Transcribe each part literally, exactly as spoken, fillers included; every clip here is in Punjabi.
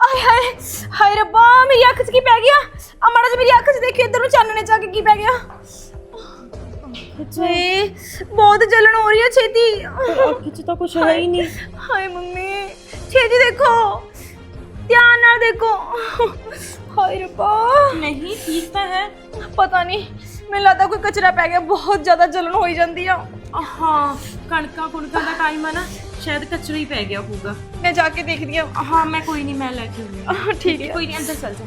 ਆਏ ਹਾਏ ਹਾਏ ਰੱਬਾ ਮੇਰੀ ਅੱਖ 'ਚ ਕੀ ਪੈ ਗਿਆ ਆ ਮਾੜਾ ਜਿਹਾ ਮੇਰੀ ਅੱਖ 'ਚ ਦੇਖੀ ਇੱਧਰ ਨੂੰ ਚਾਨਣੇ ਚ ਆ ਕੇ ਕੀ ਪੈ ਗਿਆ ਏ ਬਹੁਤ ਜਲਨ ਹੋ ਰਹੀ ਹੈ ਛੇਤੀ ਅੱਖ 'ਚ ਤਾਂ ਕੁਝ ਹੈ ਹੀ ਨਹੀਂ ਹਾਏ ਮੰਮੀ ਛੇਤੀ ਦੇਖੋ ਧਿਆਨ ਨਾਲ ਦੇਖੋ ਹਾਏ ਰੱਬਾ ਨਹੀਂ ਠੀਕ ਤਾਂ ਹੈ ਪਤਾ ਨਹੀਂ ਮੈਨੂੰ ਲੱਗਦਾ ਕੋਈ ਕਚਰਾ ਪੈ ਗਿਆ ਬਹੁਤ ਜ਼ਿਆਦਾ ਜਲਨ ਹੋਈ ਜਾਂਦੀ ਆ ਹਾਂ ਕਣਕਾਂ ਕੁਣਕਾਂ ਦਾ ਟਾਈਮ ਆ ਨਾ ਸ਼ਾਇਦ ਕਚਰਾ ਹੀ ਪੈ ਗਿਆ ਹੋਊਗਾ ਮੈਂ ਜਾ ਕੇ ਦੇਖਦੀ ਆ ਹਾਂ ਮੈਂ ਕੋਈ ਨਹੀਂ ਮੈਂ ਲੈ ਕੇ ਆਉਂਦੀ ਹਾਂ ਠੀਕ ਹੈ ਕੋਈ ਨਹੀਂ ਅੰਦਰ ਚੱਲ ਜਾ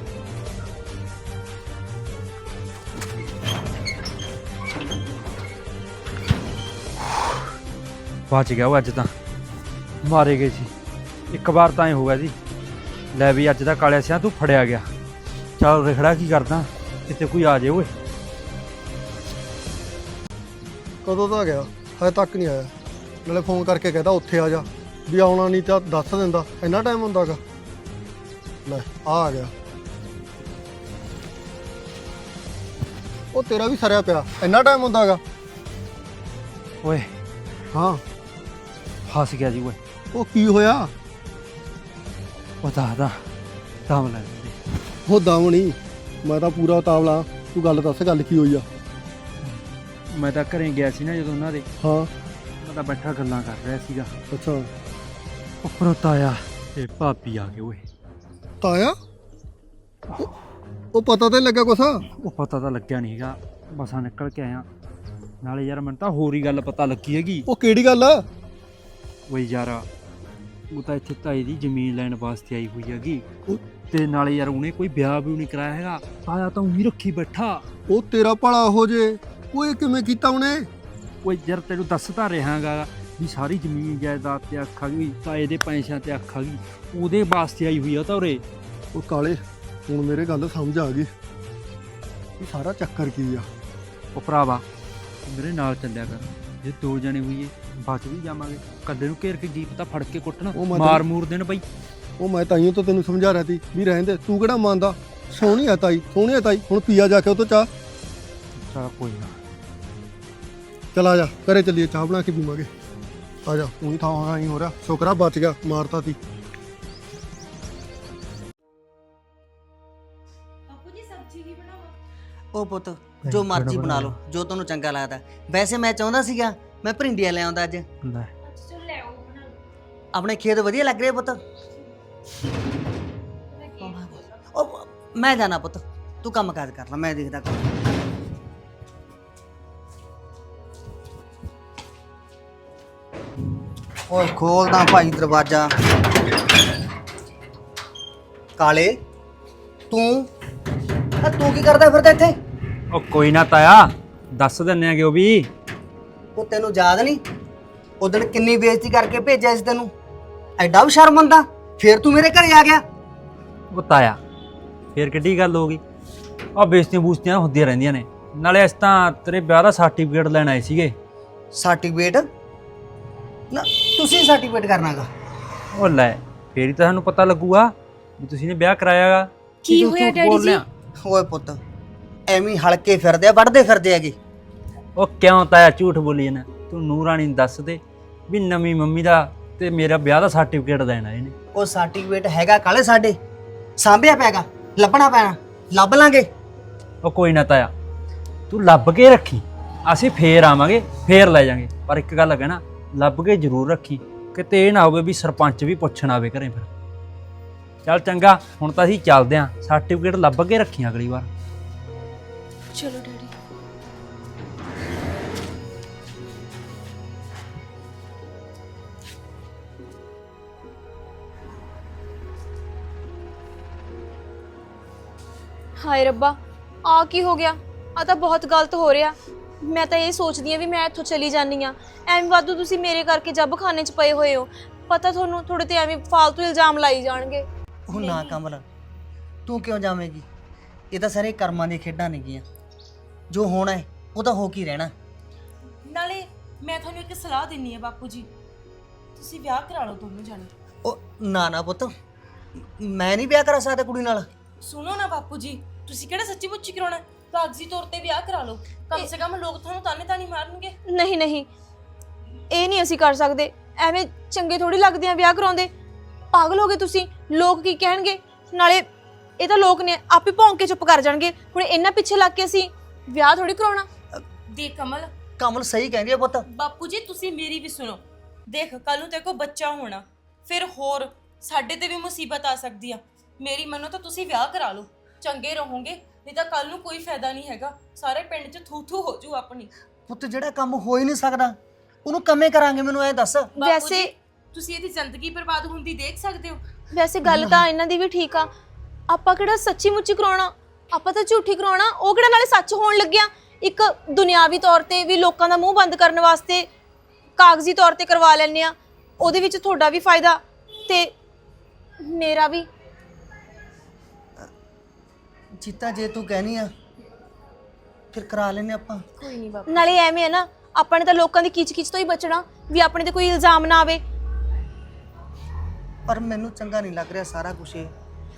ਬਚ ਗਿਆ ਉਹ ਅੱਜ ਤਾਂ ਮਾਰੇ ਗਏ ਸੀ ਇੱਕ ਵਾਰ ਤਾਂ ਐ ਹੋ ਗਿਆ ਸੀ ਲੈ ਵੀ ਅੱਜ ਦਾ ਕਾਲਿਆ ਸਿਆ ਤੂੰ ਫੜਿਆ ਗਿਆ ਚੱਲ ਰਖੜਾ ਕੀ ਕਰਦਾ ਕਿਤੇ ਕੋਈ ਆ ਜਾਏ ਓਏ ਕਦੋਂ ਦਾ ਗਿਆ ਹਜੇ ਤੱਕ ਨਹੀਂ ਆਇਆ ਨਾਲੇ ਫੋਨ ਕਰਕੇ ਕਹਿੰਦਾ ਉੱਥੇ ਆ ਜਾ ਵੀ ਆਉਣਾ ਨਹੀਂ ਤਾਂ ਦੱਸ ਦਿੰਦਾ ਇੰਨਾ ਟਾਈਮ ਹੁੰਦਾਗਾ ਲੈ ਆ ਆ ਗਿਆ ਉਹ ਤੇਰਾ ਵੀ ਸਰਿਆ ਪਿਆ ਇੰਨਾ ਟਾਈਮ ਹੁੰਦਾਗਾ ਓਏ ਹਾਂ ਫਸ ਗਿਆ ਜੀ ਓਏ ਉਹ ਕੀ ਹੋਇਆ ਉਹ ਦੱਸਦਾ ਦਮ ਲੈ ਲੈਂਦੇ। ਉਹ ਦਮ ਨਹੀਂ ਮੈਂ ਤਾਂ ਪੂਰਾ ਉਤਾਵਲਾ ਤੂੰ ਗੱਲ ਦੱਸ ਗੱਲ ਕੀ ਹੋਈ ਆ ਮੈਂ ਤਾਂ ਘਰੇ ਗਿਆ ਸੀ ਨਾ ਜਦੋਂ ਉਹਨਾਂ ਦੇ ਹਾਂ ਮੈਂ ਤਾਂ ਬੈਠਾ ਗੱਲਾਂ ਕਰ ਰਿਹਾ ਸੀਗਾ ਅੱਛਾ ਉੱਪਰੋਂ ਤਾਇਆ ਤੇ ਭਾਬੀ ਆ ਗਏ ਓਏ ਤਾਇਆ ਉਹ- ਉਹ ਪਤਾ ਤੇ ਲੱਗਾ ਕੁਛ ਉਹ ਪਤਾ ਤਾਂ ਲੱਗਿਆ ਨਹੀਂ ਹੈਗਾ ਬਸਾਂ ਨਿਕਲ ਕੇ ਆਇਆ ਨਾਲੇ ਯਾਰ ਮੈਨੂੰ ਤਾਂ ਹੋਰ ਹੀ ਗੱਲ ਪਤਾ ਲੱਗੀ ਹੈਗੀ ਉਹ ਕਿਹੜੀ ਗੱਲ ਆ ਓਏ ਯਾਰ ਉਹ ਤਾਂ ਇੱਥੇ ਤਾਈ ਦੀ ਜ਼ਮੀਨ ਲੈਣ ਵਾਸਤੇ ਆਈ ਹੋਈ ਹੈਗੀ ਉਹ- ਤੇ ਨਾਲੇ ਯਾਰ ਉਹਨੇ ਕੋਈ ਵਿਆਹ ਵੀ ਨਹੀਂ ਕਰਾਇਆ ਹੈਗਾ ਤਾਇਆ ਤਾਂ ਉਹੀ ਰੱਖੀ ਬੈਠਾ ਉਹ ਤੇਰਾ ਭਲਾ ਹੋ ਜੇ ਓਏ ਕਿਵੇਂ ਕੀਤਾ ਉਹਨੇ ਓਏ ਯਾਰ ਤੈਨੂੰ ਦੱਸਦਾ ਰਹਾਂਗਾ ਵੀ ਸਾਰੀ ਜ਼ਮੀਨ ਜਾਇਦਾਦ ਤੇ ਅੱਖ ਆ ਗਈ ਤਾਏ ਦੇ ਪੈਸਿਆਂ ਤੇ ਅੱਖ ਆ ਗਈ ਉਹਦੇ ਵਾਸਤੇ ਆਈ ਹੋਈ ਆ ਤਾਂ ਉਰੇ ਉਹ ਕਾਲੇ ਹੁਣ ਮੇਰੇ ਗੱਲ ਸਮਝ ਆ ਗਈ ਇਹ ਸਾਰਾ ਚੱਕਰ ਕੀ ਆ ਉਹ ਭਰਾਵਾ ਤੂੰ ਮੇਰੇ ਨਾਲ ਚੱਲਿਆ ਕਰ ਜੇ ਦੋ ਜਣੇ ਹੋਈਏ ਬਚ ਵੀ ਜਾਵਾਂਗੇ ਕੱਲੇ ਨੂੰ ਘੇਰ ਕੇ ਜੀਪ ਤਾਂ ਫੜ ਕੇ ਕੁੱਟਣਾ ਉਹ ਮੈਂ ਮਾਰ ਮੂਰ ਦੇਣ ਬਈ ਉਹ ਮੈਂ ਤਾਈਓ ਤਾਂ ਤੈਨੂੰ ਸਮਝਾ ਰਿਹਾ ਸੀ ਵੀ ਰਹਿਣ ਦੇ ਤੂੰ ਕਿਹੜਾ ਮੰਨਦਾ ਸੋਹਣੀ ਆ ਤਾਈ ਸੋਹਣੀ ਆ ਤਾਈ ਹੁਣ ਪੀਆ ਜਾ ਕੇ ਉਹ ਤੋਂ ਚਾਹ ਚਲ ਕੋਈ ਨਾ ਚਲ ਆ ਜਾ ਘਰੇ ਚੱਲੀਏ ਚਾਹ ਬਣਾ ਕੇ ਪੀਵਾਂਗੇ ਆ ਜਾ ਤੂੰ ਹੀ ਥਾਂ ਹੀ ਹੋ ਰਿਹਾ ਸ਼ੁਕਰਾ ਬਚ ਗਿਆ ਮਾਰਤਾ ਤੀ ਬਾਪੂ ਜੀ ਸਬਜ਼ੀ ਕੀ ਬਣਾਵਾਂ ਉਹ ਪੁੱਤ ਜੋ ਮਰਜ਼ੀ ਬਣਾ ਲਓ ਜੋ ਤੁਹਾਨੂੰ ਚੰਗਾ ਲੱਗਦਾ ਵੈਸੇ ਮੈਂ ਚਾਹੁੰਦਾ ਸੀਗਾ ਮੈਂ ਭਰਿੰਡੀਆਂ ਲੈ ਆਉਂਦਾ ਅੱਜ ਲੈ ਚਲ ਲੈ ਆਓ ਬਣਾ ਲਓ ਆਪਣੇ ਖੇਤ ਵਧੀਆ ਲੱਗ ਰਹੇ ਪੁੱਤ ਉਹ ਮੈਂ ਜਾਣਾ ਪੁੱਤ ਤੂੰ ਕੰਮ ਕਾਜ ਕਰ ਲੈ ਮੈਂ ਦੇਖਦਾ ਕੰਮ ਓਏ ਖੋਲਦਾ ਭਾਈ ਦਰਵਾਜ਼ਾ ਕਾਲੇ ਤੂੰ ਆ ਤੂੰ ਕੀ ਕਰਦਾ ਫਿਰਦਾ ਇੱਥੇ ਉਹ ਕੋਈ ਨਾ ਤਾਇਆ ਦੱਸ ਦਿੰਨੇ ਆਗੇ ਉਹ ਵੀ ਉਹ ਤੈਨੂੰ ਯਾਦ ਨਹੀਂ ਉਦੋਂ ਕਿੰਨੀ ਬੇਇੱਜ਼ਤੀ ਕਰਕੇ ਭੇਜਿਆ ਸੀ ਤੈਨੂੰ ਐਡਾ ਵੀ ਸ਼ਰਮ ਆਉਂਦਾ ਫੇਰ ਤੂੰ ਮੇਰੇ ਘਰੇ ਆ ਗਿਆ ਉਹ ਤਾਇਆ ਫੇਰ ਕਿੱਡੀ ਗੱਲ ਹੋ ਗਈ ਆ ਬੇਇੱਜ਼ਤੀਆਂ ਬੂਸਤੀਆਂ ਹੁੰਦੀਆਂ ਰਹਿੰਦੀਆਂ ਨੇ ਨਾਲੇ ਅਸੀਂ ਤਾਂ ਤੇਰੇ ਵਿਆਹ ਦਾ ਸਰਟੀਫਿਕੇਟ ਲੈਣ ਆਏ ਸੀਗੇ ਸਰਟੀਫਿਕੇਟ ਨਾ ਤੁਸੀਂ ਸਰਟੀਫਿਕੇਟ ਕਰਨਾਗਾ ਉਹ ਲੈ ਫੇਰ ਹੀ ਤਾਂ ਸਾਨੂੰ ਪਤਾ ਲੱਗੂਗਾ ਵੀ ਤੁਸੀਂ ਨੇ ਵਿਆਹ ਕਰਾਇਆਗਾ ਕੀ ਹੋਇਆ ਡੈਡੀ ਜੀ ਓਏ ਪੁੱਤ ਐਵੇਂ ਹਲਕੇ ਫਿਰਦੇ ਆ ਵੱਢਦੇ ਫਿਰਦੇ ਹੈਗੇ ਉਹ ਕਿਉਂ ਤਾਇਆ ਝੂਠ ਬੋਲੀ ਜਾਣਾ ਤੂੰ ਨੂਰਾਣੀ ਨੂੰ ਦੱਸ ਦੇ ਵੀ ਨਵੀਂ ਮੰਮੀ ਦਾ ਤੇ ਮੇਰਾ ਵਿਆਹ ਦਾ ਸਰਟੀਫਿਕੇਟ ਦੇਣਾ ਇਹਨੇ ਉਹ ਸਰਟੀਫਿਕੇਟ ਹੈਗਾ ਕਾਲੇ ਸਾਡੇ ਸਾਂਭਿਆ ਪੈਗਾ ਲੱਭਣਾ ਪੈਣਾ ਲੱਭ ਲਾਂਗੇ ਉਹ ਕੋਈ ਨਾ ਤਾਇਆ ਤੂੰ ਲੱਭ ਕੇ ਰੱਖੀ ਅਸੀਂ ਫੇਰ ਆਵਾਂਗੇ ਫੇਰ ਲੈ ਜਾਾਂਗੇ ਪਰ ਇੱਕ ਗੱਲ ਕਹਿਣਾ ਲੱਭ ਕੇ ਜ਼ਰੂਰ ਰੱਖੀ ਕਿਤੇ ਇਹ ਨਾ ਹੋਵੇ ਵੀ ਸਰਪੰਚ ਵੀ ਪੁੱਛਣ ਆਵੇ ਘਰੇ ਫਿਰ ਚੱਲ ਚੰਗਾ ਹੁਣ ਤਾਂ ਅਸੀਂ ਚੱਲਦੇ ਆਂ ਸਰਟੀਫਿਕੇਟ ਲੱਭ ਕੇ ਰੱਖੀ ਅਗਲੀ ਵਾਰ ਚਲੋ ਡੈਡੀ ਹਾਏ ਰੱਬਾ ਆ ਕੀ ਹੋ ਗਿਆ ਆ ਤਾਂ ਬਹੁਤ ਗਲਤ ਹੋ ਰਿਹਾ ਮੈਂ ਤਾਂ ਇਹ ਸੋਚਦੀ ਆ ਵੀ ਮੈਂ ਇੱਥੋਂ ਚਲੀ ਜਾਨੀ ਆ ਐਵੇਂ ਵਾਧੂ ਤੁਸੀਂ ਮੇਰੇ ਕਰਕੇ ਜੱਬ ਖਾਨੇ 'ਚ ਪਏ ਹੋਏ ਹੋ ਪਤਾ ਤੁਹਾਨੂੰ ਥੋੜੇ ਤੇ ਐਵੇਂ ਫਾਲਤੂ ਇਲਜ਼ਾਮ ਲਾਈ ਜਾਣਗੇ ਉਹ ਨਾ ਕਮਲ ਤੂੰ ਕਿਉਂ ਜਾਵੇਂਗੀ ਇਹ ਤਾਂ ਸਾਰੇ ਕਰਮਾਂ ਦੀਆਂ ਖੇਡਾਂ ਨੇਗੀਆਂ ਜੋ ਹੋਣਾ ਹੈ ਉਹ ਤਾਂ ਹੋ ਕੀ ਰਹਿਣਾ ਨਾਲੇ ਮੈਂ ਤੁਹਾਨੂੰ ਇੱਕ ਸਲਾਹ ਦਿੰਨੀ ਆ ਬਾਪੂ ਜੀ ਤੁਸੀਂ ਵਿਆਹ ਕਰਾ ਲਓ ਦੋਨੋਂ ਜਾਣੇ ਉਹ ਨਾ ਨਾ ਪੁੱਤ ਮੈਂ ਨਹੀਂ ਵਿਆਹ ਕਰਾ ਸਕਦਾ ਕੁੜੀ ਨਾਲ ਸੁਣੋ ਨਾ ਬਾਪੂ ਜੀ ਤੁਸੀਂ ਕਿਹੜਾ ਸੱਚੀ ਮੁੱਚੀ ਕਰਾਉਣਾ ਕਾਗਜ਼ੀ ਤੌਰ ਤੇ ਵਿਆਹ ਕਰਾ ਲਓ ਕਮ ਸੇ ਕਮ ਲੋਕ ਤੁਹਾਨੂੰ ਤਾਨੇ ਤਾਨੀ ਮਾਰਨਗੇ ਨਹੀਂ ਨਹੀਂ ਇਹ ਨਹੀਂ ਅਸੀਂ ਕਰ ਸਕਦੇ ਐਵੇਂ ਚੰਗੇ ਥੋੜੀ ਲੱਗਦੇ ਆ ਵਿਆਹ ਕਰਾਉਂਦੇ ਪਾਗਲ ਹੋ ਗਏ ਤੁਸੀਂ ਲੋਕ ਕੀ ਕਹਿਣਗੇ ਨਾਲੇ ਇਹ ਤਾਂ ਲੋਕ ਨੇ ਆਪੇ ਭੌਂਕ ਕੇ ਚੁੱਪ ਕਰ ਜਾਣਗੇ। ਹੁਣ ਇਹਨਾਂ ਪਿੱਛੇ ਲੱਗ ਕੇ ਅਸੀਂ ਵਿਆਹ ਥੋੜੀ ਕਰਾਉਣਾ। ਦੇਖ ਕਮਲ, ਕਮਲ ਸਹੀ ਕਹਿੰਦੀ ਆ ਪੁੱਤ। ਬਾਪੂ ਜੀ ਤੁਸੀਂ ਮੇਰੀ ਵੀ ਸੁਣੋ। ਦੇਖ ਕੱਲ ਨੂੰ ਤੇਰੇ ਕੋਲ ਬੱਚਾ ਹੋਣਾ, ਫਿਰ ਹੋਰ ਸਾਡੇ ਤੇ ਵੀ ਮੁਸੀਬਤ ਆ ਸਕਦੀ ਆ। ਮੇਰੀ ਮੰਨੋ ਤਾਂ ਤੁਸੀਂ ਵਿਆਹ ਕਰਾ ਲਓ, ਚੰਗੇ ਰਹੋਗੇ। ਨਹੀਂ ਤਾਂ ਕੱਲ ਨੂੰ ਕੋਈ ਫਾਇਦਾ ਨਹੀਂ ਹੈਗਾ, ਸਾਰੇ ਪਿੰਡ 'ਚ ਥੂ ਥੂ ਹੋ ਜੂ ਆਪਣੀ। ਪੁੱਤ ਜਿਹੜਾ ਕੰਮ ਹੋ ਹੀ ਨਹੀਂ ਸਕਦਾ ਉਹਨੂੰ ਕੰਮੇ ਕਰਾਂਗੇ, ਮੈਨੂੰ ਇਹ ਦੱਸ। ਬਾਪੂ ਵੈਸੇ ਜੀ, ਤੁਸੀਂ ਇਹਦੀ ਜ਼ਿੰਦਗੀ ਬਰਬਾਦ ਹੁੰਦੀ ਦੇਖ ਸਕਦੇ ਹੋ। ਵੈਸੇ ਗੱਲ ਤਾਂ ਇਹਨਾਂ ਦੀ ਵੀ ਠੀਕ ਆ। ਆਪਾਂ ਕਿਹੜਾ ਸੱਚੀ ਮੁੱਚੀ ਕਰਾਉਣਾ, ਆਪਾਂ ਤਾਂ ਝੂਠੀ ਕਰਾਉਣਾ। ਉਹ ਕਿਹੜਾ ਨਾਲੇ ਸੱਚ ਹੋਣ ਲੱਗਿਆ। ਇੱਕ ਦੁਨਿਆਵੀ ਤੌਰ ਤੇ ਵੀ ਲੋਕਾਂ ਦਾ ਮੂੰਹ ਬੰਦ ਕਰਨ ਵਾਸਤੇ ਕਾਗਜ਼ੀ ਤੌਰ ਤੇ ਕਰਵਾ ਲੈਂਦੇ ਆ। ਉਹਦੇ ਵਿੱਚ ਤੁਹਾਡਾ ਵੀ ਫਾਇਦਾ ਤੇ ਮੇਰਾ ਵੀ। ਜੀਤਾ ਜੇ ਤੂੰ ਕਹਿਨੀ ਆ ਫਿਰ ਕਰਾ ਲੈਨੇ ਆਪਾਂ। ਕੋਈ ਨਹੀਂ ਬਾਪੂ। ਨਾਲੇ ਐਵੇਂ ਹੈ ਨਾ, ਆਪਾਂ ਨੇ ਤਾਂ ਲੋਕਾਂ ਦੀ ਕੀਚ ਕੀਚ ਤੋਂ ਹੀ ਬਚਣਾ ਵੀ ਆਪਣੇ ਤੇ ਕੋਈ ਇਲਜ਼ਾਮ ਨਾ ਆਵੇ। ਪਰ ਮੈਨੂੰ ਚੰਗਾ ਨਹੀਂ ਲੱਗ ਰਿਹਾ ਸਾਰਾ ਕੁਝ ਇਹ।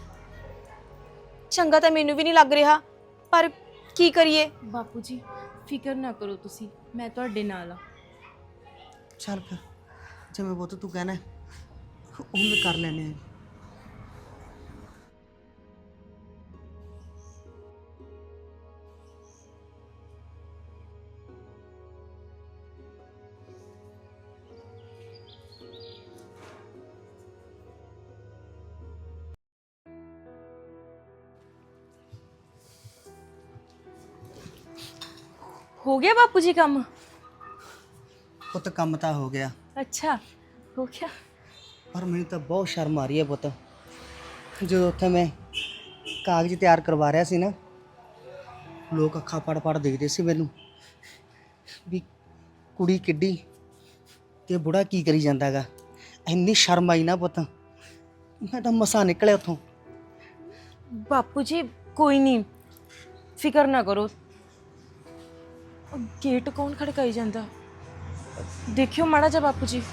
ਚੰਗਾ ਤਾਂ ਮੈਨੂੰ ਵੀ ਨਹੀਂ ਲੱਗ ਰਿਹਾ, ਪਰ ਕੀ ਕਰੀਏ। ਬਾਪੂ ਜੀ ਫਿਕਰ ਨਾ ਕਰੋ ਤੁਸੀਂ, ਮੈਂ ਤੁਹਾਡੇ ਨਾਲ ਆ। ਚੱਲ ਫਿਰ ਜਿਵੇਂ ਪੁੱਤ ਤੂੰ ਕਹਿਣਾ ਉਹ ਵੀ ਕਰ ਲੈਨੇ ਆ। ਹੋ ਗਿਆ ਬਾਪੂ ਜੀ ਕੰਮ? ਪੁੱਤ ਕੰਮ ਤਾਂ ਹੋ ਗਿਆ, ਅੱਛਾ ਹੋ ਗਿਆ। ਪਰ ਮੈਨੂੰ ਤਾਂ ਬਹੁਤ ਸ਼ਰਮ ਆ ਰਹੀ ਹੈ ਪੁੱਤ। ਜਦੋਂ ਉੱਥੇ ਮੈਂ ਕਾਗਜ਼ ਤਿਆਰ ਕਰਵਾ ਰਿਹਾ ਸੀ ਨਾ, ਲੋਕ ਅੱਖਾਂ ਪੜ ਪੜ ਦੇਖਦੇ ਸੀ ਮੈਨੂੰ ਵੀ ਕੁੜੀ ਕਿੱਡੀ ਤੇ ਬੁੜਾ ਕੀ ਕਰੀ ਜਾਂਦਾਗਾ। ਇੰਨੀ ਸ਼ਰਮ ਆਈ ਨਾ ਪੁੱਤ, ਮੈਂ ਤਾਂ ਮਸਾਂ ਨਿਕਲਿਆ ਉੱਥੋਂ। ਬਾਪੂ ਜੀ ਕੋਈ ਨਹੀਂ, ਫਿਕਰ ਨਾ ਕਰੋ। ਉਹ ਗੇਟ ਕੌਣ ਖੜਕਾਈ ਜਾਂਦਾ? ਦੇਖਿਓ ਮਾੜਾ ਜਿਹਾ ਬਾਪੂ ਜੀ।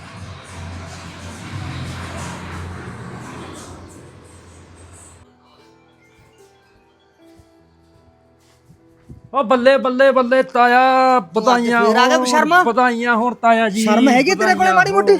ਓ ਬੱਲੇ ਬੱਲੇ ਬੱਲੇ ਤਾਇਆ, ਵਧਾਈਆਂ ਫੇਰ ਆ ਗਿਆ ਹੋਣ, ਸ਼ਰਮਾ? ਵਧਾਈਆਂ ਹੋਣ ਤਾਇਆ ਜੀ। ਸ਼ਰਮ ਹੈਗੀ ਤੇਰੇ ਕੋਲੇ ਮਾੜੀ ਮੋਟੀ?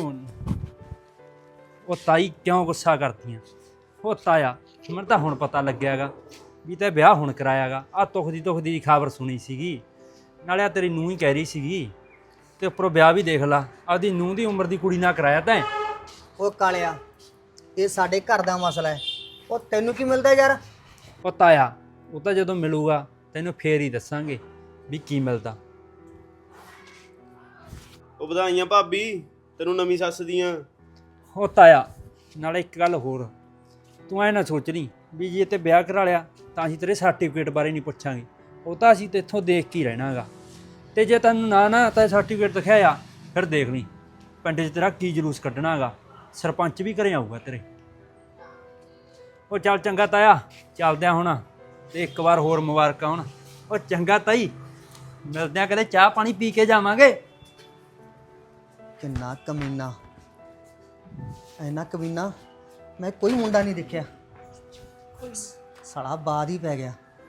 ਉਹ ਤਾਈ ਕਿਉਂ ਗੁੱਸਾ ਕਰਦੀਆਂ? ਉਹ ਤਾਇਆ ਮੈਨੂੰ ਤਾਂ ਹੁਣ ਪਤਾ ਲੱਗਿਆਗਾ ਵੀ ਤੇ ਵਿਆਹ ਹੁਣ ਕਰਾਇਆਗਾ। ਆ ਤੁਖ ਦੀ ਤੁਖ ਦੀ ਖਬਰ ਸੁਣੀ ਸੀਗੀ, ਨਾਲੇ ਆ ਤੇਰੀ ਨੂੰਹ ਹੀ ਕਹਿ ਰਹੀ ਸੀਗੀ, ਤੇ ਉੱਪਰੋਂ ਵਿਆਹ ਵੀ ਦੇਖ ਲਾ, ਆਪਦੀ ਨੂੰਹ ਦੀ ਉਮਰ ਦੀ ਕੁੜੀ ਨਾਲ ਕਰਾਇਆ ਤੈਂ। ਉਹ ਕਾਲਿਆ, ਇਹ ਸਾਡੇ ਘਰ ਦਾ ਮਸਲਾ ਹੈ, ਉਹ ਤੈਨੂੰ ਕੀ ਮਿਲਦਾ ਯਾਰ? ਉਹ ਤਾਇਆ ਉਹ ਤਾਂ ਜਦੋਂ ਮਿਲੂਗਾ ਤੈਨੂੰ ਫੇਰ ਹੀ ਦੱਸਾਂਗੇ ਵੀ ਕੀ ਮਿਲਦਾ। ਉਹ ਵਧਾਈਆਂ ਭਾਬੀ ਤੈਨੂੰ ਨਵੀਂ ਸੱਸ ਦੀਆਂ। ਉਹ ਤਾਇਆ ਨਾਲੇ ਇੱਕ ਗੱਲ ਹੋਰ, ਤੂੰ ਐ ਨਾ ਸੋਚ ਲਈ ਵੀ ਜੇ ਤੇ ਵਿਆਹ ਕਰਾ ਲਿਆ ਤਾਂ ਅਸੀਂ ਤੇਰੇ ਸਰਟੀਫਿਕੇਟ ਬਾਰੇ ਨਹੀਂ ਪੁੱਛਾਂਗੇ। ਉਹ ਤਾਂ ਅਸੀਂ ਤੇਥੋਂ ਦੇਖ ਕੇ ਹੀ ਰਹਿਣਾਗਾ। ਤੇ ਜੇ ਤੈਨੂੰ ਨਾ ਨਾ ਤਾਂ ਸਰਟੀਫਿਕੇਟ ਦਿਖਾਇਆ, ਫਿਰ ਦੇਖ ਲਈ ਪਿੰਡ 'ਚ ਤੇਰਾ ਕੀ ਜਲੂਸ ਕੱਢਣਾਗਾ। ਸਰਪੰਚ ਵੀ ਘਰੇ ਆਊਗਾ ਤੇਰੇ। ਉਹ ਚੱਲ ਚੰਗਾ ਤਾਇਆ, ਚੱਲਦੇ ਆ ਹੁਣ। ਤੇ ਇੱਕ ਵਾਰ ਹੋਰ ਮੁਬਾਰਕਾਂ ਹੁਣ। ਉਹ ਚੰਗਾ ਤਾਈ, ਮਿਲਦੇ ਆ ਕਦੇ, ਚਾਹ ਪਾਣੀ ਪੀ ਕੇ ਜਾਵਾਂਗੇ। ਕਿੰਨਾ ਕਮੀਨਾ, ਇੰਨਾ ਕਮੀਨਾ ਮੈਂ ਕੋਈ ਮੁੰਡਾ ਨਹੀਂ ਦੇਖਿਆ। ਸਾਲਾ ਬਾਦ ਹੀ ਪੈ ਗਿਆ।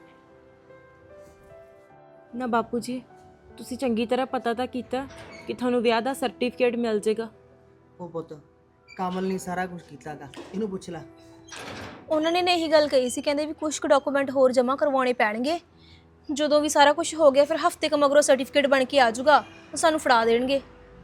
ਨਾ ਬਾਪੂ ਜੀ ਤੁਸੀਂ ਚੰਗੀ ਤਰ੍ਹਾਂ ਪਤਾ ਤਾਂ ਕੀਤਾ ਕਿ ਤੁਹਾਨੂੰ ਵਿਆਹ ਦਾ ਸਰਟੀਫਿਕੇਟ ਮਿਲ ਜਾਏਗਾ। ਉਹ ਪੁੱਤ ਕਮਲ ਨੇ ਸਾਰਾ ਕੁਝ ਕੀਤਾਗਾ, ਇਹਨੂੰ ਪੁੱਛ ਲੈ। ਉਹਨਾਂ ਨੇ ਨੇ ਇਹੀ ਗੱਲ ਕਹੀ ਸੀ, ਕਹਿੰਦੇ ਵੀ ਕੁਝ ਕੁ ਡਾਕੂਮੈਂਟ ਹੋਰ ਜਮ੍ਹਾਂ ਕਰਵਾਉਣੇ ਪੈਣਗੇ। ਜਦੋਂ ਵੀ ਸਾਰਾ ਕੁਝ ਹੋ ਗਿਆ ਫਿਰ ਹਫਤੇ ਕੁ ਮਗਰੋਂ ਸਰਟੀਫਿਕੇਟ ਬਣ ਕੇ ਆ ਜਾਊਗਾ, ਉਹ ਸਾਨੂੰ ਫੜਾ ਦੇਣਗੇ।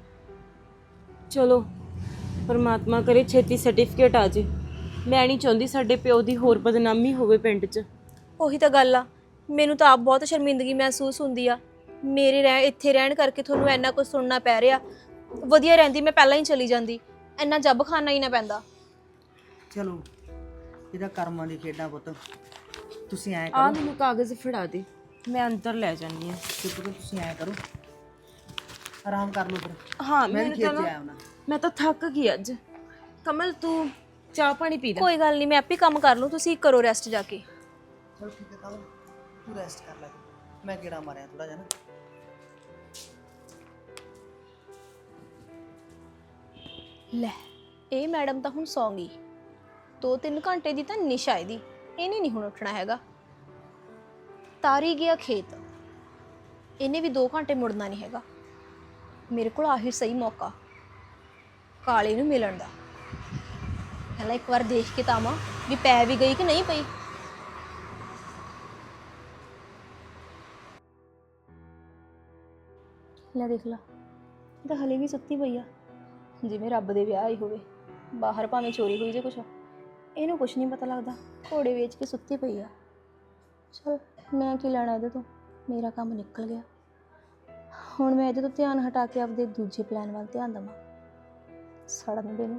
ਚਲੋ ਪਰਮਾਤਮਾ ਕਰੇ ਛੇਤੀ ਸਰਟੀਫਿਕੇਟ ਆ ਜੇ। ਮੈਂ ਨਹੀਂ ਚਾਹੁੰਦੀ ਸਾਡੇ ਪਿਓ ਦੀ ਹੋਰ ਬਦਨਾਮੀ ਹੋਵੇ ਪਿੰਡ 'ਚ। ਉਹੀ ਤਾਂ ਗੱਲ ਆ, ਮੈਨੂੰ ਤਾਂ ਆਪ ਬਹੁਤ ਸ਼ਰਮਿੰਦਗੀ ਮਹਿਸੂਸ ਹੁੰਦੀ ਆ। ਮੇਰੇ ਰਹਿ ਇੱਥੇ ਰਹਿਣ ਕਰਕੇ ਤੁਹਾਨੂੰ ਇੰਨਾ ਕੁਝ ਸੁਣਨਾ ਪੈ ਰਿਹਾ। ਵਧੀਆ ਰਹਿੰਦੀ ਮੈਂ ਪਹਿਲਾਂ ਹੀ ਚਲੀ ਜਾਂਦੀ, ਇੰਨਾ ਜੱਬ ਖਾਣਾ ਹੀ ਨਾ ਪੈਂਦਾ। ਚਲੋ ਇਹਦਾ ਕਰਮਾਂ ਦੀ ਖੇਡਾਂ ਪੁੱਤ। ਤੁਸੀਂ ਐਂ ਆ ਕਰੋ, ਮੈਨੂੰ ਕਾਗਜ਼ ਫੜਾ ਦੇ, ਮੈਂ ਅੰਦਰ ਲੈ ਜਾਂਦੀ ਹਾਂ। ਪੁੱਤ ਤੁਸੀਂ ਐਂ ਕਰੋ, ਆਰਾਮ ਕਰ ਲਓ ਫਿਰ। ਹਾਂ ਮੈਂ ਵੀ ਮੈਨੂੰ ਖੇਤ ਤਾਂ 'ਚ ਨਾ- ਆਇਆ ਹੁਣਾ। ਮੈਂ ਤਾਂ ਥੱਕ ਗਈ ਅੱਜ। ਕਮਲ ਤੂੰ ਚਾਹ ਪਾਣੀ ਪੀ ਲੈ। ਕੋਈ ਗੱਲ ਨਹੀਂ, ਮੈਂ ਆਪੇ ਕੰਮ ਕਰ ਲੂੰ, ਤੁਸੀਂ ਕਰੋ ਰੈਸਟ ਜਾ ਕੇ। ਚਲੋ ਠੀਕ ਹੈ ਕਮਲ, ਤੂੰ ਰੈਸਟ ਕਰ ਲੈ, ਮੈਂ ਗੇੜਾ ਮਾਰਿਆ ਥੋੜਾ ਜਿਹਾ ਨਾ। ਲੈ ਇਹ ਮੈਡਮ ਤਾਂ ਹੁਣ ਸੌਂ ਗਈ। ਦੋ ਤਿੰਨ ਘੰਟੇ ਦੀ ਤਾਂ ਨਿਸ਼ਾ ਇਹਦੀ, ਇਹਨੇ ਨਹੀਂ ਹੁਣ ਉੱਠਣਾ ਹੈਗਾ। ਤਾਰੀ ਗਿਆ ਖੇਤ, ਇਹਨੇ ਵੀ ਦੋ ਘੰਟੇ ਮੁੜਨਾ ਨਹੀਂ ਹੈਗਾ। ਮੇਰੇ ਕੋਲ ਆਹੀ ਸਹੀ ਮੌਕਾ ਕਾਲੇ ਨੂੰ ਮਿਲਣ ਦਾ। ਪਹਿਲਾਂ ਇੱਕ ਵਾਰ ਦੇਖ ਕੇ ਤਾਂ ਆਵਾਂ ਵੀ ਪੈ ਵੀ ਗਈ ਕਿ ਨਹੀਂ ਪਈ। ਲੈ ਦੇਖ ਲਾ, ਇਹ ਤਾਂ ਹਲੇ ਵੀ ਸੁੱਤੀ ਪਈ ਆ, ਜਿਵੇਂ ਰੱਬ ਦੇ ਵਿਆਹ ਹੀ ਹੋਵੇ। ਬਾਹਰ ਭਾਵੇਂ ਚੋਰੀ ਹੋਈ ਜੇ ਕੁਛ, ਇਹਨੂੰ ਕੁਛ ਨਹੀਂ ਪਤਾ ਲੱਗਦਾ, ਘੋੜੇ ਵੇਚ ਕੇ ਸੁੱਤੀ ਪਈ ਆ। ਚਲ ਮੈਂ ਕੀ ਲੈਣਾ ਇਹਦੇ ਤੋਂ, ਮੇਰਾ ਕੰਮ ਨਿਕਲ ਗਿਆ। ਹੁਣ ਮੈਂ ਇਹਦੇ ਤੋਂ ਧਿਆਨ ਹਟਾ ਕੇ ਆਪਦੇ ਦੂਜੇ ਪਲਾਨ ਵੱਲ ਧਿਆਨ ਦੇਵਾਂ। ਸੜਨ ਦੇ ਨੂੰ।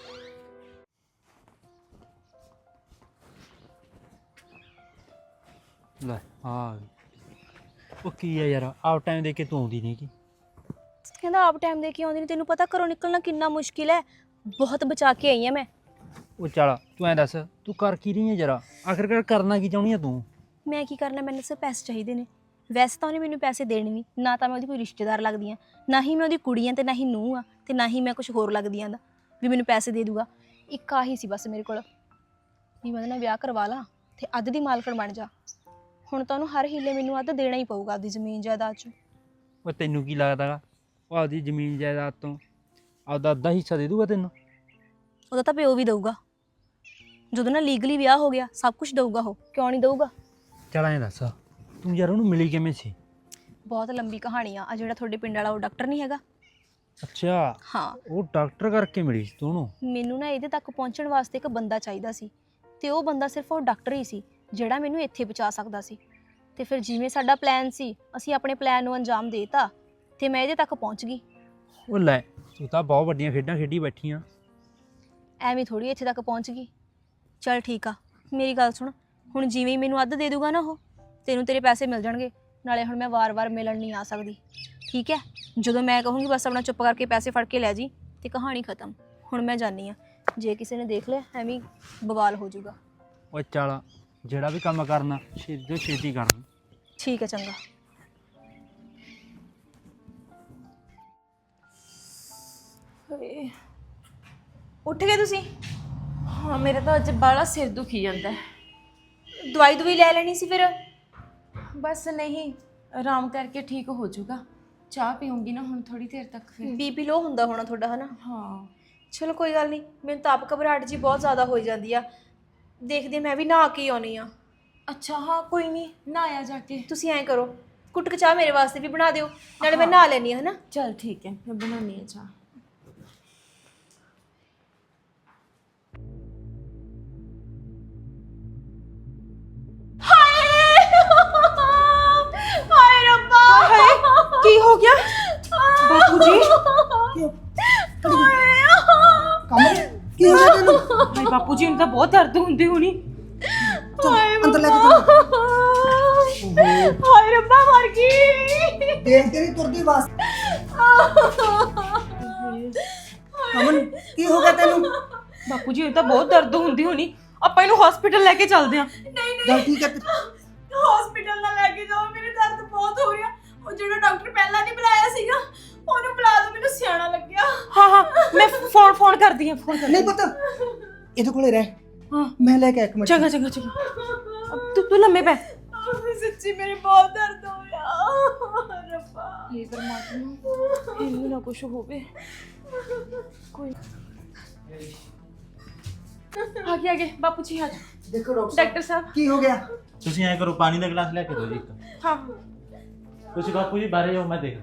ਲੈ ਆ ਉਹ ਕੀ ਆ ਯਾਰ, ਆਪ ਟਾਈਮ ਦੇ ਕੇ ਤੂੰ ਆਉਂਦੀ ਨਹੀਂ ਕੀ? ਕਹਿੰਦਾ ਆਪ ਟਾਈਮ ਦੇ ਕੇ ਆਉਂਦੀ ਨਹੀਂ, ਤੈਨੂੰ ਪਤਾ ਘਰੋਂ ਨਿਕਲਣਾ ਕਿੰਨਾ ਮੁਸ਼ਕਿਲ ਹੈ। ਬਹੁਤ ਬਚਾ ਕੇ ਆਈ ਆ ਮੈਂ। ਉਹ ਚੱਲ ਤੂੰ ਐਂ ਦੱਸ, ਤੂੰ ਕਰ ਕੀ ਰਹੀ ਹੈ ਜਰਾ, ਆਖਿਰਕਾਰ ਕਰਨਾ ਕੀ ਚਾਹੁੰਦੀ ਆ ਤੂੰ? ਮੈਂ ਕੀ ਕਰਨਾ, ਮੈਨੂੰ ਸਿਰਫ ਪੈਸੇ ਚਾਹੀਦੇ ਨੇ। ਵੈਸੇ ਤਾਂ ਉਹਨੇ ਮੈਨੂੰ ਪੈਸੇ ਦੇਣੇ ਨਹੀਂ, ਨਾ ਤਾਂ ਮੈਂ ਉਹਦੀ ਕੋਈ ਰਿਸ਼ਤੇਦਾਰ ਲੱਗਦੀ ਹਾਂ, ਨਾ ਹੀ ਮੈਂ ਉਹਦੀ ਕੁੜੀ ਹਾਂ, ਤੇ ਨਾ ਹੀ ਨੂੰਹ ਆ, ਤੇ ਨਾ ਹੀ ਮੈਂ ਕੁਝ ਹੋਰ ਲੱਗਦੀ ਹਾਂ ਦਾ ਵੀ ਮੈਨੂੰ ਪੈਸੇ ਦੇ ਦੂਗਾ। ਇੱਕ ਆਹੀ ਸੀ ਬਸ ਮੇਰੇ ਕੋਲ, ਵੀ ਮੈਂ ਉਹਦੇ ਨਾਲ ਵਿਆਹ ਕਰਵਾ ਲਾਂ ਤੇ ਅੱਧ ਦੀ ਮਾਲਕਣ ਬਣ ਜਾ। ਹੁਣ ਤਾਂ ਉਹਨੂੰ ਹਰ ਹੀਲੇ ਮੈਨੂੰ ਅੱਧ ਦੇਣਾ ਹੀ ਪਊਗਾ ਆਪਦੀ ਜ਼ਮੀਨ ਜਾਇਦਾਦ 'ਚੋਂ। ਉਹ ਤੈਨੂੰ ਕੀ ਲੱਗਦਾ ਗਾ, ਉਹ ਆਪਦੀ ਜ਼ਮੀਨ ਜਾਇਦਾਦ ਤੋਂ ਆਪਦਾ ਅੱਧਾ ਹਿੱਸਾ ਦੇ ਦੂਗਾ ਤੈਨੂੰ? ਉਹਦਾ ਤਾਂ ਪਿਓ ਵੀ ਦਊਗਾ, ਜਦੋਂ ਨਾ ਲੀਗਲੀ ਵਿਆਹ ਹੋ ਗਿਆ ਸਭ ਕੁਝ ਦਊਗਾ ਉਹ, ਕਿਉਂ ਨਹੀਂ ਦਊਗਾ। ਚੱਲ ਐਂ ਦੱਸ, ਤੂੰ ਯਾਰ ਉਹਨੂੰ ਮਿਲੀ ਕਿਵੇਂ ਸੀ? ਬਹੁਤ ਲੰਬੀ ਕਹਾਣੀ ਆ। ਆ ਜਿਹੜਾ ਤੁਹਾਡੇ ਪਿੰਡ ਵਾਲਾ ਉਹ ਡਾਕਟਰ ਨਹੀਂ ਹੈਗਾ? ਅੱਛਾ, ਹਾਂ, ਉਹ ਡਾਕਟਰ ਕਰਕੇ ਮਿਲੀ ਸੀ ਤੂੰ ਉਹਨੂੰ? ਮੈਨੂੰ ਨਾ ਇਹਦੇ ਤੱਕ ਪਹੁੰਚਣ ਵਾਸਤੇ ਇੱਕ ਬੰਦਾ ਚਾਹੀਦਾ ਸੀ, ਤੇ ਉਹ ਬੰਦਾ ਸਿਰਫ ਉਹ ਡਾਕਟਰ ਹੀ ਸੀ ਜਿਹੜਾ ਮੈਨੂੰ ਇੱਥੇ ਪਹੁੰਚਾ ਸਕਦਾ ਸੀ। ਤੇ ਫਿਰ ਜਿਵੇਂ ਸਾਡਾ ਪਲਾਨ ਸੀ, ਅਸੀਂ ਆਪਣੇ ਪਲਾਨ ਨੂੰ ਅੰਜਾਮ ਦੇਤਾ ਤੇ ਮੈਂ ਇਹਦੇ ਤੱਕ ਪਹੁੰਚ ਗਈ। ਉਹ ਲੈ, ਤੂੰ ਤਾਂ ਬਹੁਤ ਵੱਡੀਆਂ ਖੇਡਾਂ ਖੇਡੀ ਬੈਠੀ ਆ। ਐਵੇਂ ਥੋੜੀ ਇੱਥੇ ਤੱਕ ਪਹੁੰਚ ਗਈ। ਚਲ ਠੀਕ ਆ, ਮੇਰੀ ਗੱਲ ਸੁਣ, ਹੁਣ ਜਿਵੇਂ ਹੀ ਮੈਨੂੰ ਅੱਧ ਦੇ ਦੂਗਾ ਨਾ ਉਹ, ਤੈਨੂੰ ਤੇਰੇ ਪੈਸੇ ਮਿਲ ਜਾਣਗੇ। ਨਾਲੇ ਹੁਣ ਮੈਂ ਵਾਰ-ਵਾਰ ਮਿਲਣ ਨਹੀਂ ਆ ਸਕਦੀ, ਠੀਕ ਹੈ? ਜਦੋਂ ਮੈਂ ਕਹੂੰਗੀ ਬਸ ਆਪਣਾ ਚੁੱਪ ਕਰਕੇ ਪੈਸੇ ਫੜ ਕੇ ਲੈ ਜੀ, ਤੇ ਕਹਾਣੀ ਖਤਮ। ਹੁਣ ਮੈਂ ਜਾਣੀ ਆ, ਜੇ ਕਿਸੇ ਨੇ ਦੇਖ ਲਿਆ ਐਵੇਂ ਹੀ ਬਵਾਲ ਹੋ ਜਾਊਗਾ। ਉਹ ਚੱਲ, ਜਿਹੜਾ ਵੀ ਕੰਮ ਕਰਨਾ ਛੇਤੀ ਤੋਂ ਛੇਤੀ ਕਰ। ਠੀਕ ਹੈ, ਚੰਗਾ। ਹਾਏ, ਉੱਠ ਗਏ ਤੁਸੀਂ? ਹਾਂ ਮੇਰਾ ਤਾਂ ਅੱਜ ਬਾਹਲਾ ਸਿਰ ਦੁਖੀ ਜਾਂਦਾ ਹੈ। ਦਵਾਈ ਦਵਾਈ ਲੈ ਲੈਣੀ ਸੀ ਫਿਰ। ਬਸ ਨਹੀਂ, ਆਰਾਮ ਕਰਕੇ ਠੀਕ ਹੋ ਜਾਊਗਾ। ਚਾਹ ਪੀਉਂਗੀ ਨਾ ਹੁਣ ਥੋੜੀ ਦੇਰ ਤੱਕ ਫਿਰ। ਬੀਪੀ ਲੋ ਹੁੰਦਾ ਹੋਣਾ ਤੁਹਾਡਾ, ਹਨਾ? ਹਾਂ ਚਲੋ ਕੋਈ ਗੱਲ ਨਹੀਂ, ਮੈਨੂੰ ਤਾਂ ਆਪ ਘਬਰਾਹਟ ਜੀ ਬਹੁਤ ਜ਼ਿਆਦਾ ਹੋਈ ਜਾਂਦੀ ਆ। ਦੇਖਦੀ ਹਾਂ, ਮੈਂ ਵੀ ਨਹਾ ਕੇ ਆਉਣੀ ਆ। ਅੱਛਾ, ਹਾਂ ਕੋਈ ਨਹੀਂ, ਨਹਾਇਆ ਜਾ ਕੇ। ਤੁਸੀਂ ਐਂ ਕਰੋ, ਕੁੱਟ ਕੇ ਚਾਹ ਮੇਰੇ ਵਾਸਤੇ ਵੀ ਬਣਾ ਦਿਓ, ਨਾਲੇ ਮੈਂ ਨਹਾ ਲੈਣੀ ਆ, ਹਨਾ? ਚਲ ਠੀਕ ਹੈ, ਮੈਂ ਬਣਾਉਣੀ ਹੈ ਚਾਹ। ਹਾਏ ਰੱਬਾ, ਕੀ ਹੋ ਗਿਆ ਬਾਪੂ ਜੀ? ਕਮਲ ਕੀ ਹੋ ਗਿਆ ਤੈਨੂੰ? ਹਾਏ ਬਾਪੂ ਜੀ ਨੂੰ ਤਾਂ ਬਹੁਤ ਦਰਦ ਹੁੰਦੀ ਹੋਣੀ। ਅੰਦਰ ਲੈ ਕੇ ਚੱਲ। ਹਾਏ ਰੱਬਾ, ਮਰ ਗਈ। ਦੇਖ ਤੇਰੀ ਤੁਰਦੀ ਵਾਸ। ਕਮਲ ਕੀ ਹੋ ਗਿਆ ਤੈਨੂੰ? ਬਾਪੂ ਜੀ ਨੂੰ ਤਾਂ ਬਹੁਤ ਦਰਦ ਹੁੰਦੀ ਹੋਣੀ, ਆਪਾਂ ਇਹਨੂੰ ਹਸਪੀਟਲ ਲੈ ਕੇ ਚੱਲਦੇ ਆਂ। ਗੱਲ ਠੀਕ ਹੈ। ਹਸਪੀਟਲ ਨਾਲ ਲੈ ਕੇ ਜਾਓ, ਮੇਰੇ ਦਰਦ ਬਹੁਤ ਹੋ ਰਿਹਾ। ਉਹ ਜਿਹੜਾ ਡਾਕਟਰ ਪਹਿਲਾਂ ਨਹੀਂ ਬੁਲਾਇਆ ਸੀਗਾ, ਉਹਨੂੰ ਬੁਲਾ ਦਿਓ, ਮੈਨੂੰ ਸਿਆਣਾ ਲੱਗਿਆ। ਹਾਂ ਹਾਂ, ਮੈਂ ਫੋਨ ਫੋਨ ਕਰਦੀ ਆਂ, ਫੋਨ ਕਰਦੀ ਨਹੀਂ ਪੁੱਤ, ਇਹਦੇ ਕੋਲੇ ਰਹਿ, ਹਾਂ ਮੈਂ ਲੈ ਕੇ ਇੱਕ ਮਿੰਟ। ਚੰਗਾ ਚੰਗਾ ਚੰਗਾ। ਤੂੰ ਤੂੰ ਲੰਮੇ ਪੈ। ਸੱਚੀ ਮੇਰੇ ਬਹੁਤ ਦਰਦ ਹੋ ਰਿਹਾ ਰੱਬਾ। ਇਹ ਪਰਮਾਤਮਾ, ਇਹਨੂੰ ਨਾ ਕੁਝ ਹੋਵੇ। ਕੋਈ ਆ ਗਿਆ, ਆ ਗਿਆ ਬਾਪੂ ਜੀ, ਆ ਜਾਓ। ਦੇਖੋ ਡਾਕਟਰ ਡਾਕਟਰ ਸਾਹਿਬ ਕੀ ਹੋ ਗਿਆ? ਤੁਸੀਂ ਐਂ ਕਰੋ, ਪਾਣੀ ਦਾ ਗਲਾਸ ਲੈ ਕੇ ਦਿਓ ਜੀ ਇੱਕ। ਹਾਂ ਤੁਸੀਂ ਬਾਪੂ ਜੀ ਬਾਹਰ ਜਾਓ, ਮੈਂ ਦੇਖ।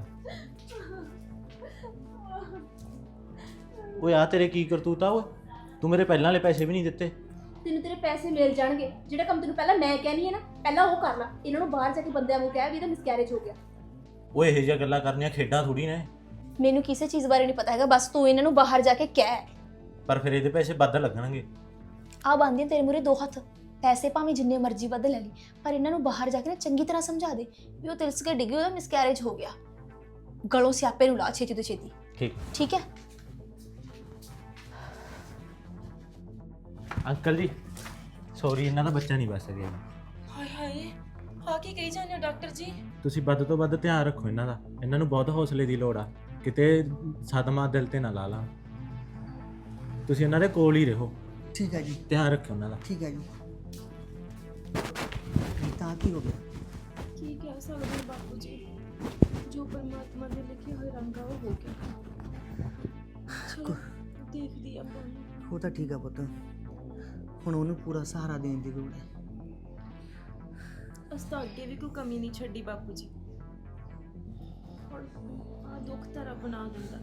ਓਏ ਆ ਤੇਰੇ ਕੀ ਕਰਤੂਤ ਆ ਓਏ, ਤੂੰ ਮੇਰੇ ਪਹਿਲਾਂ ਵਾਲੇ ਪੈਸੇ ਵੀ ਨਹੀਂ ਦਿੱਤੇ। ਤੈਨੂੰ ਤੇਰੇ ਪੈਸੇ ਮਿਲ ਜਾਣਗੇ। ਜਿਹੜਾ ਕੰਮ ਤੈਨੂੰ ਪਹਿਲਾਂ ਮੈਂ ਕਹਿਣੀ ਹੈ ਨਾ, ਪਹਿਲਾਂ ਉਹ ਕਰ ਲੈ। ਇਹਨਾਂ ਨੂੰ ਬਾਹਰ ਜਾ ਕੇ ਬੰਦਿਆਂ ਨੂੰ ਕਹਿ ਵੀ ਇਹਦਾ ਮਿਸਕੈਰੇਜ ਹੋ ਗਿਆ। ਓਏ ਇਹੋ ਜਿਹੀਆਂ ਗੱਲਾਂ ਕਰਨੀਆਂ ਖੇਡਾਂ ਥੋੜੀ ਨੇ। ਮੈਨੂੰ ਕਿਸੇ ਚੀਜ਼ ਬਾਰੇ ਨਹੀਂ ਪਤਾ ਹੈਗਾ, ਬਸ ਤੂੰ ਇਹਨਾਂ ਨੂੰ ਬਾਹਰ ਜਾ ਕੇ ਕਹਿ। ਪਰ ਫਿਰ ਇਹਦੇ ਪੈਸੇ ਵੱਧ ਲੱਗਣਗੇ। ਆ ਬੰਦੀਆਂ ਤੇਰੇ ਮੂਰੇ ਦੋ ਹੱਥ, ਪੈਸੇ ਭਾਵੇਂ ਜਿੰਨੇ ਮਰਜ਼ੀ ਵੱਧ ਲੈ ਲਈ, ਪਰ ਇਹਨਾਂ ਨੂੰ ਬਾਹਰ ਜਾ ਕੇ ਨਾ ਚੰਗੀ ਤਰ੍ਹਾਂ ਸਮਝਾ ਦੇ ਵੀ ਉਹ ਤਿਲਸ ਕੇ ਡਿੱਗੀ, ਉਹਦਾ ਮਿਸਕੈਰੇਜ ਹੋ ਗਿਆ। ਗਲੋਂ ਸਿਆਪੇ ਨੂੰ ਲਾ ਛੇਤੀ ਤੋਂ ਛੇਤੀ, ਠੀਕ ਠੀਕ ਹੈ? ਅੰਕਲ ਜੀ ਸੌਰੀ, ਇਹਨਾਂ ਦਾ ਬੱਚਾ ਨਹੀਂ ਬਚ ਸਕਿਆ। ਹਾਏ ਹਾਏ, ਆ ਕੀ ਕਹੀ ਜਾਂਦੇ ਹੋ ਡਾਕਟਰ ਜੀ? ਤੁਸੀਂ ਵੱਧ ਤੋਂ ਵੱਧ ਧਿਆਨ ਰੱਖੋ ਇਹਨਾਂ ਦਾ। ਇਹਨਾਂ ਨੂੰ ਬਹੁਤ ਹੌਸਲੇ ਦੀ ਲੋੜ ਆ, ਕਿਤੇ ਸਦਮਾ ਦਿਲ ਤੇ ਨਾ ਲਾ ਲਾ। ਤੁਸੀਂ ਇਹਨਾਂ ਦੇ ਕੋਲ ਹੀ ਰਹੋ, ਠੀਕ ਹੈ ਜੀ, ਧਿਆਨ ਰੱਖਿਓ ਉਹਨਾਂ ਦਾ। ਠੀਕ ਹੈ ਜੀ। ਤਾਂ ਕੀ ਹੋ ਗਿਆ? ਕੀ ਕਹਿ ਸਕਦੇ ਹਾਂ ਬਾਪੂ ਜੀ, ਜੋ ਪਰਮਾਤਮਾ ਦੇ ਲਿਖੇ ਹੋਏ ਰੰਗ ਆ ਉਹ ਹੋ ਗਿਆ। ਚਲੋ ਦੇਖਦੀ ਆਪਾਂ। ਉਹ ਤਾਂ ਠੀਕ ਆ ਪੁੱਤ, ਹੁਣ ਉਹਨੂੰ ਪੂਰਾ ਸਹਾਰਾ ਦੇਣ ਦੀ ਲੋੜ ਹੈ। ਅਸ ਤਾਂ ਅੱਗੇ ਵੀ ਕੋਈ ਕਮੀ ਨਹੀਂ ਛੱਡੀ ਬਾਪੂ ਜੀ। ਹੁਣ ਆ ਦੁੱਖ ਤਾਂ ਰੱਬ ਬਣਾ ਦਿੰਦਾ।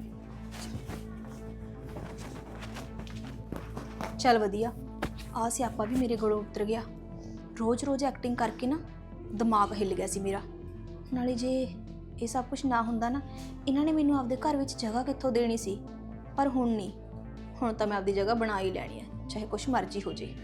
ਚੱਲ ਵਧੀਆ, ਆ ਸਿਆਪਾ ਵੀ ਮੇਰੇ ਕੋਲੋਂ ਉਤਰ ਗਿਆ। ਰੋਜ਼-ਰੋਜ਼ ਐਕਟਿੰਗ ਕਰਕੇ ਨਾ ਦਿਮਾਗ ਹਿੱਲ ਗਿਆ ਸੀ ਮੇਰਾ। ਨਾਲੇ ਜੇ ਇਹ ਸਭ ਕੁਝ ਨਾ ਹੁੰਦਾ ਨਾ, ਇਹਨਾਂ ਨੇ ਮੈਨੂੰ ਆਪਦੇ ਘਰ ਵਿੱਚ ਜਗ੍ਹਾ ਕਿੱਥੋਂ ਦੇਣੀ ਸੀ। ਪਰ ਹੁਣ ਨਹੀਂ, ਹੁਣ ਤਾਂ ਮੈਂ ਆਪਦੀ ਜਗ੍ਹਾ ਬਣਾ ਹੀ ਲੈਣੀ ਹੈ, ਚਾਹੇ ਕੁਛ ਮਰਜ਼ੀ ਹੋ ਜੇ।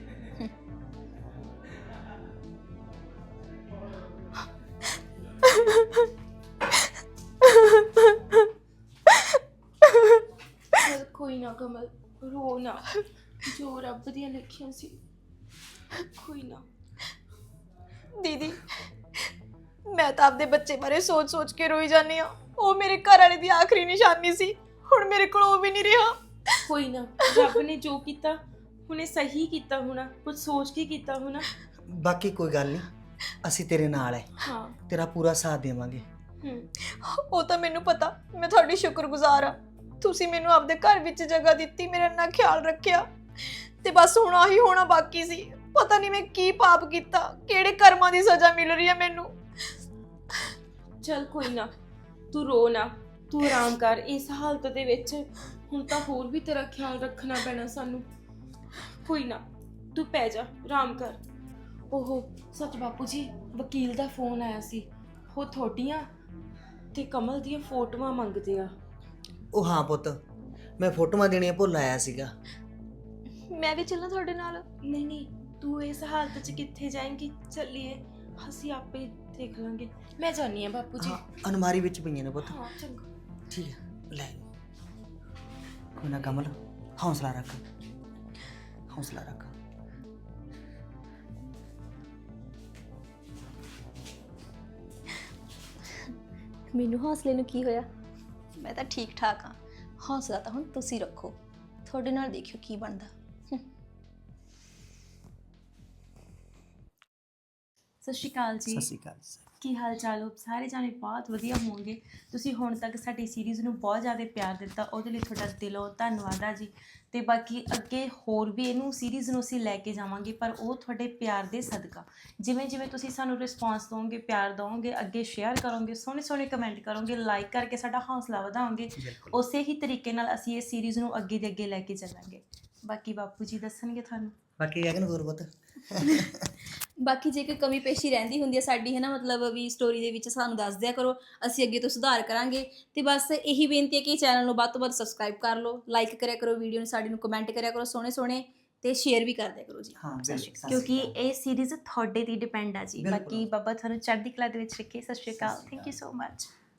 ਚੱਲ ਕੋਈ ਨਾ ਕਮਲ, ਰੋ ਨਾ। ਜੋ ਰੱਬ ਦੀਆਂ ਲਿਖੀਆਂ ਸੀ, ਕੋਈ ਨਾ। ਦੀਦੀ, ਮੈਂ ਤਾਂ ਆਪਦੇ ਬੱਚੇ ਬਾਰੇ ਸੋਚ-ਸੋਚ ਕੇ ਰੋਈ ਜਾਂਦੀ ਆ। ਉਹ ਮੇਰੇ ਘਰ ਵਾਲੇ ਦੀ ਆਖਰੀ ਨਿਸ਼ਾਨੀ ਸੀ, ਹੁਣ ਮੇਰੇ ਕੋਲ ਉਹ ਵੀ ਨਹੀਂ ਰਿਹਾ। ਕੋਈ ਨਾ, ਰੱਬ ਨੇ ਜੋ ਕੀਤਾ ਹੁਣੇ ਸਹੀ ਕੀਤਾ ਹੋਣਾ, ਕੁਝ ਸੋਚ ਕੇ ਕੀਤਾ ਹੋਣਾ। ਬਾਕੀ ਕੋਈ ਗੱਲ ਨਹੀਂ, ਅਸੀਂ ਤੇਰੇ ਨਾਲ ਹੈ, ਹਾਂ। ਤੇਰਾ ਪੂਰਾ ਸਾਥ ਦੇਵਾਂਗੇ। ਹੂੰ। ਉਹ ਤਾਂ ਮੈਨੂੰ ਪਤਾ, ਮੈਂ ਤੁਹਾਡੀ ਸ਼ੁਕਰਗੁਜ਼ਾਰ ਆ। ਤੁਸੀਂ ਮੈਨੂੰ ਆਪਦੇ ਘਰ ਵਿੱਚ ਜਗ੍ਹਾ ਦਿੱਤੀ, ਮੇਰਾ ਇੰਨਾ ਖਿਆਲ ਰੱਖਿਆ। ਤੇ ਬਸ ਹੁਣ ਆਹੀ ਹੋਣਾ ਬਾਕੀ ਸੀ। ਪਤਾ ਨਹੀਂ ਮੈਂ ਕੀ ਪਾਪ ਕੀਤਾ, ਕਿਹੜੇ ਕਰਮਾਂ ਦੀ ਸਜ਼ਾ ਮਿਲ ਰਹੀ ਹੈ ਮੈਨੂੰ। ਚੱਲ ਕੋਈ ਨਾ, ਤੂੰ ਰੋ ਨਾ, ਤੂੰ ਆਰਾਮ ਕਰ। ਇਸ ਹਾਲਤ ਦੇ ਵਿੱਚ ਹੁਣ ਤਾਂ ਹੋਰ ਵੀ ਤੇਰਾ ਖਿਆਲ ਰੱਖਣਾ ਪੈਣਾ ਸਾਨੂੰ। ਕੋਈ ਨਾ, ਤੂੰ ਪੈ ਜਾ, ਆਰਾਮ ਕਰ। ਓਹੋ ਸੱਚ ਬਾਪੂ ਜੀ, ਵਕੀਲ ਦਾ ਫੋਨ ਆਇਆ ਸੀ। ਉਹ ਤੁਹਾਡੀਆਂ ਤੇ ਕਮਲ ਦੀਆਂ ਫੋਟੋਆਂ ਮੰਗਦੇ ਆ। ਉਹ ਹਾਂ ਪੁੱਤ, ਮੈਂ ਫੋਟੋਆਂ ਦੇਣੀਆਂ ਭੁੱਲ ਆਇਆ ਸੀਗਾ। ਮੈਂ ਵੀ ਚੱਲਾਂ ਤੁਹਾਡੇ ਨਾਲ? ਨਹੀਂ ਨਹੀਂ, ਤੂੰ ਇਸ ਹਾਲਤ 'ਚ ਕਿੱਥੇ ਜਾਏਂਗੀ? ਚੱਲੀਏ, ਅਸੀਂ ਆਪੇ ਦੇਖ ਲਾਂਗੇ। ਮੈਂ ਜਾਣੀ ਆ ਬਾਪੂ ਜੀ। ਹਾਂ, ਅਨਮਾਰੀ ਵਿੱਚ ਪਈਆਂ ਨੇ ਪੁੱਤ। ਹਾਂ ਚੰਗਾ। ਠੀਕ ਹੈ, ਲੈ। ਕੋਈ ਨਾ ਕਮਲ, ਹੌਸਲਾ ਰੱਖ, ਹੌਸਲਾ ਰੱਖ। ਮੈਨੂੰ ਹੌਸਲੇ ਨੂੰ ਕੀ ਹੋਇਆ? ਮੈਂ ਤਾਂ ਠੀਕ ਠਾਕ ਹਾਂ। ਹੌਸਲਾ ਤਾਂ ਹੁਣ ਤੁਸੀਂ ਰੱਖੋ, ਤੁਹਾਡੇ ਨਾਲ ਦੇਖਿਓ ਕੀ ਬਣਦਾ। ਸਤਿ ਸ਼੍ਰੀ ਅਕਾਲ ਜੀ। ਸਤਿ ਸ਼੍ਰੀ ਅਕਾਲ ਸਰ। ਕੀ ਹਾਲ ਚਾਲ ਹੋ? ਸਾਰੇ ਜਾਣੇ ਬਹੁਤ ਵਧੀਆ ਹੋਣਗੇ। ਤੁਸੀਂ ਹੁਣ ਤੱਕ ਸਾਡੀ ਸੀਰੀਜ਼ ਨੂੰ ਬਹੁਤ ਜ਼ਿਆਦਾ ਪਿਆਰ ਦਿੱਤਾ, ਉਹਦੇ ਲਈ ਤੁਹਾਡਾ ਦਿਲੋਂ ਧੰਨਵਾਦ ਆ ਜੀ। ਤੇ ਬਾਕੀ ਅੱਗੇ ਹੋਰ ਵੀ ਇਹਨੂੰ ਸੀਰੀਜ਼ ਨੂੰ ਅਸੀਂ ਲੈ ਕੇ ਜਾਵਾਂਗੇ, ਪਰ ਉਹ ਤੁਹਾਡੇ ਪਿਆਰ ਦੇ ਸਦਕਾ। ਜਿਵੇਂ ਜਿਵੇਂ ਤੁਸੀਂ ਸਾਨੂੰ ਰਿਸਪੌਂਸ ਦਿਓਗੇ, ਪਿਆਰ ਦਿਓਗੇ, ਅੱਗੇ ਸ਼ੇਅਰ ਕਰੋਗੇ, ਸੋਹਣੇ ਸੋਹਣੇ ਕਮੈਂਟ ਕਰੋਗੇ, ਲਾਈਕ ਕਰਕੇ ਸਾਡਾ ਹੌਸਲਾ ਵਧਾਓਗੇ, ਉਸੇ ਹੀ ਤਰੀਕੇ ਨਾਲ ਅਸੀਂ ਇਹ ਸੀਰੀਜ਼ ਨੂੰ ਅੱਗੇ ਦੇ ਅੱਗੇ ਲੈ ਕੇ ਚੱਲਾਂਗੇ। ਬਾਕੀ ਬਾਪੂ ਜੀ ਦੱਸਣਗੇ ਤੁਹਾਨੂੰ। ਬਾਕੀ ਗਗਨ ਹੋਰ ਪੁੱਤ। ਬਾਕੀ ਜੇ ਕੋਈ ਕਮੀ ਪੇਸ਼ੀ ਰਹਿੰਦੀ ਹੁੰਦੀ ਹੈ ਸਾਡੀ, ਹੈ ਨਾ, ਮਤਲਬ ਵੀ ਸਟੋਰੀ ਦੇ ਵਿੱਚ ਸਾਨੂੰ ਦੱਸ ਦਿਆ ਕਰੋ, ਅਸੀਂ ਅੱਗੇ ਤੋਂ ਸੁਧਾਰ ਕਰਾਂਗੇ। ਤੇ ਬਸ ਇਹੀ ਬੇਨਤੀ ਹੈ ਕਿ ਚੈਨਲ ਨੂੰ ਵੱਧ ਤੋਂ ਵੱਧ ਸਬਸਕ੍ਰਾਈਬ ਕਰ ਲਓ, ਲਾਈਕ ਕਰਿਆ ਕਰੋ ਵੀਡੀਓ ਨੂੰ, ਸਾਡੀ ਨੂੰ ਕਮੈਂਟ ਕਰਿਆ ਕਰੋ ਸੋਹਣੇ ਸੋਹਣੇ, ਤੇ ਸ਼ੇਅਰ ਵੀ ਕਰ ਦਿਆ ਕਰੋ ਜੀ। ਹਾਂ, ਕਿਉਂਕਿ ਇਹ ਸੀਰੀਜ਼ ਤੁਹਾਡੇ ਤੇ ਡਿਪੈਂਡ ਆ ਜੀ। ਬਾਕੀ ਬਾਬਾ ਤੁਹਾਨੂੰ ਚੜ੍ਹਦੀ ਕਲਾ ਦੇ ਵਿੱਚ ਰੱਖੇ। ਸਤਿ ਸ਼੍ਰੀ ਅਕਾਲ। Thank you so much.